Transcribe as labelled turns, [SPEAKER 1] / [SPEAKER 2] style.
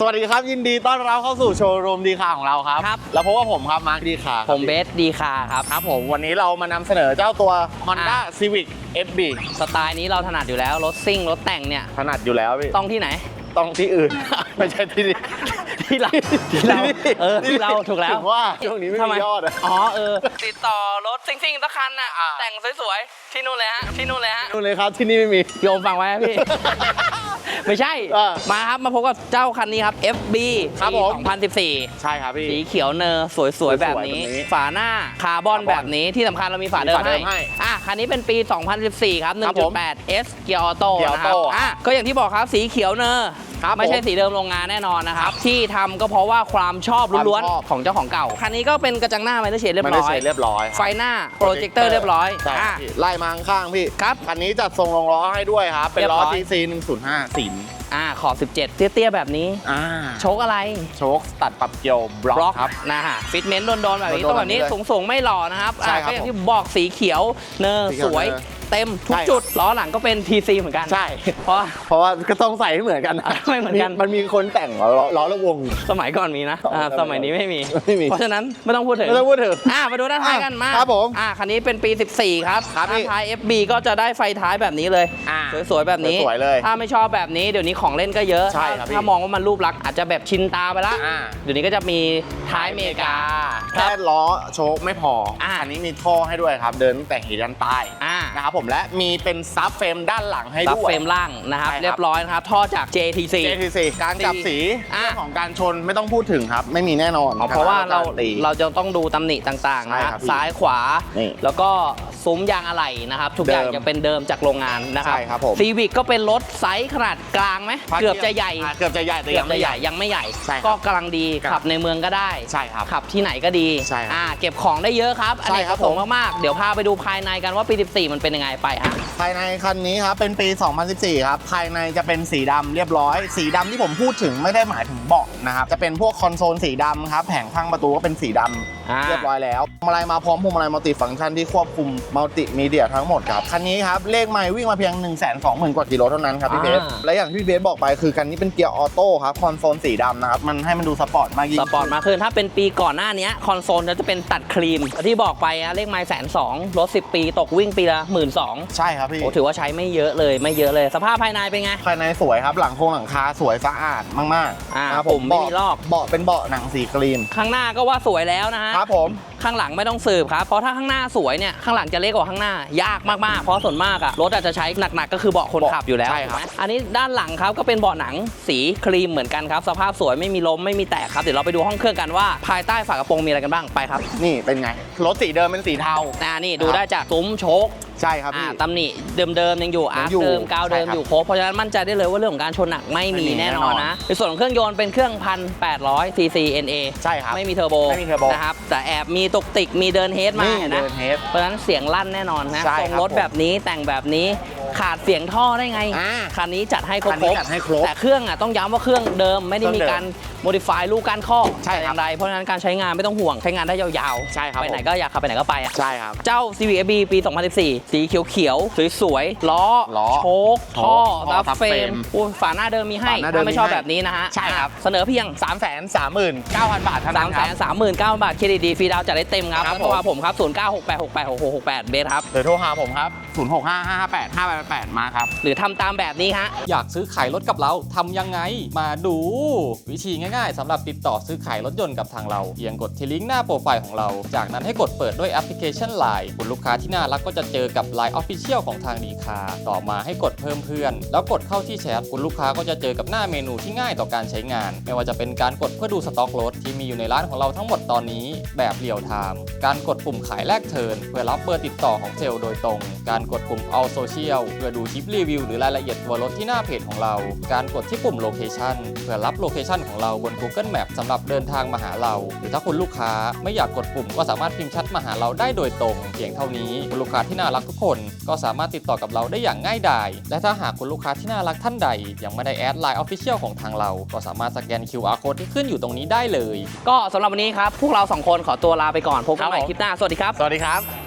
[SPEAKER 1] สวัสดีครับยินดีต้อนรับเข้าสู่โชว์รูมดีคาของเราครับ แล้วพบกับผมครับมาร์คดีคา
[SPEAKER 2] ผมเบสดีคาครับ
[SPEAKER 1] ครับผมวันนี้เรามานำเสนอเจ้าตัว Honda Civic FB
[SPEAKER 2] สไตล์นี้เราถนัดอยู่แล้วรถซิ่งรถแต่งเนี่ย
[SPEAKER 1] ถนัดอยู่แล้วพี่
[SPEAKER 2] ต้องที่ไหน
[SPEAKER 1] ต้องที่อื่น ไม่ใช่ที่นี่
[SPEAKER 2] ที่เราที่เราถูกแล้ว
[SPEAKER 1] ถึงว่าช่วงนี้ไม่มียอด
[SPEAKER 2] ติดต่อรถซิ่งๆสักคันน่ะแต่งสวยๆที่นู่นเลยฮะที่นู่นเลย
[SPEAKER 1] ครับที่นี่ไม่มี
[SPEAKER 2] โยมฟังไว้พี่ ไม่ใช่มาครับมาพบกับเจ้าคันนี้ครับ FB
[SPEAKER 1] ครับผม
[SPEAKER 2] 2014
[SPEAKER 1] ใช่ครับพี่
[SPEAKER 2] สีเขียวเนอร์สวยๆแบบนี้ฝาหน้าคาร์บอนแบบนี้ที่สำคัญเรามีฝาเดิมให้คันนี้เป็นปี 2014 ครับ 1.8 S เกียร์ออโต้นะครับก็อย่างที่บอกครับสีเขียวเนอร์ไม่ใช่สีเดิมโรงงานแน่นอนนะครับที่ทำก็เพราะว่าความชอบล้วนๆของเจ้าของเก่าคันนี้ก็เป็นกระจังหน้าไมเนอร์เชดเรียบร้อยไฟหน้าโปรเจคเตอร์เรียบร้อย
[SPEAKER 1] ไล่มาข้างพี่ครับคันนี้จัดทรงรองล้อให้ด้วยครับเป็นล้อ TC 105สี
[SPEAKER 2] ขอบ17เตี้ยๆแบบนี้โชคอะไร
[SPEAKER 1] โชคตัดปรับเกี่ยวบล็อกครับ
[SPEAKER 2] นะฮะฟิตเมนต์โดนๆแบบนี้ต้องแบบนี้สูงๆไม่หล่อนะครับก็อย่างที่บอกสีเขียวเนอร์สวยเต็มทุกจุดล้อหลังก็เป็น TC เหมือนกัน
[SPEAKER 1] ใช่เพราะว่าก็ต้องใส่ให้เหมือนกัน
[SPEAKER 2] ไม่เหมือนกัน
[SPEAKER 1] มันมีคนแต่งล้อละวง
[SPEAKER 2] สมัยก่อนมีนะสมัยนี้ไม่มีเพราะฉะนั้นไม่ต้องพูดถึงมาดูด้านท้ายกันมา
[SPEAKER 1] ครับผม
[SPEAKER 2] คันนี้เป็นปี 14ครับด้านท้าย FB ก็จะได้ไฟท้ายแบบนี้เลยสวยๆแบบนี้ถ้าไม่ชอบแบบนี้เดี๋ยวนี้ของเล่นก็เยอะถ้ามองว่ามันรูปลักษณ์อาจจะแบบชินตาไปละเดี๋ยวนี้ก็จะมีท้ายเมกา
[SPEAKER 1] แค่ล้อโชคไม่พออันนี้มีท่อให้ด้วยครับเดินแต่งหินยันใต้นะครับผมและมีเป็นซับเฟรมด้านหลังให้ด้วยซับ
[SPEAKER 2] เฟรมล่างนะครับเรียบร้อยนะครับท่อจาก JTC
[SPEAKER 1] การจับสีเรื่องของการชนไม่ต้องพูดถึงครับไม่มีแน่นอน
[SPEAKER 2] เพราะว่าเราจะต้องดูตำหนิต่างๆนะซ้ายขวาแล้วก็ซุ้มยางอะไหล่นะครับทุกอย่างจะเป็นเดิมจากโรงงานนะครับซีวิกก็เป็นรถไซส์ขนาดกลางไหมเกือบจะใหญ่แต่ยังไม่ใหญ่ก็กำลังดีขับในเมืองก็ได้ขับที่ไหนก็ดีเก็บของได้เยอะครับอันนี้ครับผมมากๆเดี๋ยวพาไปดูภายในกันว่าปี 14 มันเป็นยังไงไป
[SPEAKER 1] ภายในคันนี้ครับเป็นปี 2014 ครับภายในจะเป็นสีดำเรียบร้อยสีดำที่ผมพูดถึงไม่ได้หมายถึงเบาะนะครับจะเป็นพวกคอนโซลสีดำครับแผงข้างประตูก็เป็นสีดำเรียบร้อยแล้วพวงมาลัยมาพร้อมพวงมาลัยมัลติฟังก์ชันที่ควบคุมมัลติมีเดียทั้งหมดครับคันนี้ครับเลขไมล์วิ่งมาเพียง 120,000 กว่ากิโลเท่านั้นครับพี่เบสและอย่างที่พี่เบสบอกไปคือคันนี้เป็นเกียร์ออโต้ครับคอนโซลสีดำนะครับมันให้มันดูสปอร์ตมากยิ่ง
[SPEAKER 2] สปอร์ตมากขึ้นถ้าเป็นปีก่อนหน้านี้คอนโซลจะเป็นตัดครีมที่บอกไปเลขไมล์120,000รถ10 ปีตกวิ่งปีละ 12,000
[SPEAKER 1] ใช่ครับพี่
[SPEAKER 2] ถือว่าใช้ไม่เยอะเลยสภาพภายในเป็นไง
[SPEAKER 1] ภายในสวยครับหลังคาสวยสะอาดมาก
[SPEAKER 2] ๆผมไม่มีลอก
[SPEAKER 1] เบาะเป็นเบาะหนังสีครีม
[SPEAKER 2] ข้างหน้าก็ว่าสวยแล้วนะฮะ
[SPEAKER 1] ครับผม
[SPEAKER 2] ข้างหลังไม่ต้องสืบครับเพราะถ้าข้างหน้าสวยเนี่ยข้างหลังจะเล็กกว่าข้างหน้ายากมากๆเพราะส่วนมากรถอาจจะใช้หนักๆก็คือเบาะคนขับอยู่แล้ว
[SPEAKER 1] ใช่ครับ
[SPEAKER 2] อันนี้ด้านหลังครับก็เป็นเบาะหนังสีครีมเหมือนกันครับสภาพสวยไม่มีล้มไม่มีแตกครับเดี๋ยวเราไปดูห้องเครื่องกันว่าภายใต้ฝากระโปรงมีอะไรกันบ้างไปครับ
[SPEAKER 1] นี่เป็นไงรถสีเดิมเป็นสีเทา
[SPEAKER 2] นี่ดูได้จากซุ้มโชค
[SPEAKER 1] ใช่ครับ
[SPEAKER 2] ตำหนิเดิมยังอยู่อาร์คเดิมกาวเดิมอยู่ครบเพราะฉะนั้นมั่นใจได้เลยว่าเรื่องของการชนหนักไม่มีแน่นอนนะในส่วนของเครื่องยนต์เป็นเครื่อง 1,800 cc NA
[SPEAKER 1] ใช่ครับ
[SPEAKER 2] ไม่มีเทอร์โบนะครับแต่แอบมีตุกติกมีเดินเฮดมานะเพราะฉะนั้นเสียงลั่นแน่นอนนะทรงรถแบบนี้แต่งแบบนี้ขาดเสียงท่อได้ไงคันนี้จัดให้ครบแต่เครื่องต้องย้ำว่าเครื่องเดิมไม่ได้มีการโมดิฟายลูกการข้ออย่างไรเพราะฉะนั้นการใช้งานไม่ต้องห่วงใช้งานได้ยาว
[SPEAKER 1] ๆใช่ครับ
[SPEAKER 2] ไปไหนก็อยากขับไปไหนก็ไป
[SPEAKER 1] ใช่ครับ
[SPEAKER 2] เจ้า Civic FB ปี 2014 สีเขียวสวยๆล้อโชคท่อซับเฟรมฝาหน้าเดิมมีให้ถ้าไม่ชอบแบบนี้นะฮะ
[SPEAKER 1] ใช่ครับ
[SPEAKER 2] เสนอเพียง
[SPEAKER 1] 339,000 บาทเท่านั้นครับ
[SPEAKER 2] 339,000 บาทเครดิตดีฟรีดาวจัดได้เต็มครับโทรหาผมครับ0968686668เบสครับ
[SPEAKER 1] หรือโทรหาผมครับ0655585888มาครับ
[SPEAKER 2] หรือทำตามแบบนี้ฮะ
[SPEAKER 3] อยากซื้อขายรถกับเราทำยังไงมาดูวิธีง่ายๆสำหรับติดต่อซื้อขายรถยนต์กับทางเราเพียงกดที่ลิงก์หน้าโปรไฟล์ของเราจากนั้นให้กดเปิดด้วยแอปพลิเคชัน LINE คุณลูกค้าที่น่ารักก็จะเจอกับ LINE Official ของทางดีคาต่อมาให้กดเพิ่มเพื่อนแล้วกดเข้าที่แชทคุณลูกค้าก็จะเจอกับหน้าเมนูที่ง่ายต่อการใช้งานไม่ว่าจะเป็นการกดเพื่อดูสต็อกรถที่มีอยู่ในร้านของเราทั้งหมดตอนนี้แบบเรียลไทม์การกดปุ่มขายแลกเทิร์นเพื่อรับเบอร์ติดต่อของเซลล์โดยตรงการกดปุ่ม All Social เพื่อดูคลิปรีวิวหรือรายละเอียดตัวรถที่หน้าเพจของเราการกดที่ปุ่ม Location เพื่อรับโลเคชันของเราบน Google Map สำหรับเดินทางมาหาเราหรือถ้าคุณลูกค้าไม่อยากกดปุ่มก็สามารถพิมพ์แชทมาหาเราได้โดยตรงเพียงเท่านี้คุณลูกค้าที่น่ารักทุกคนก็สามารถติดต่อกับเราได้อย่างง่ายดายและถ้าหากคุณลูกค้าที่น่ารักท่านใดยังไม่ได้แอด LINE Official ของทางเราก็สามารถสแกน QR Code ที่ขึ้นอยู่ตรงนี้ได้เลย
[SPEAKER 2] ก็สำหรับวันนี้ครับพวกเรา2คนขอตัวลาไปก่อนพบกันใหม่คลิปหน้าสวัสดีครับ
[SPEAKER 1] สวัสดีครับ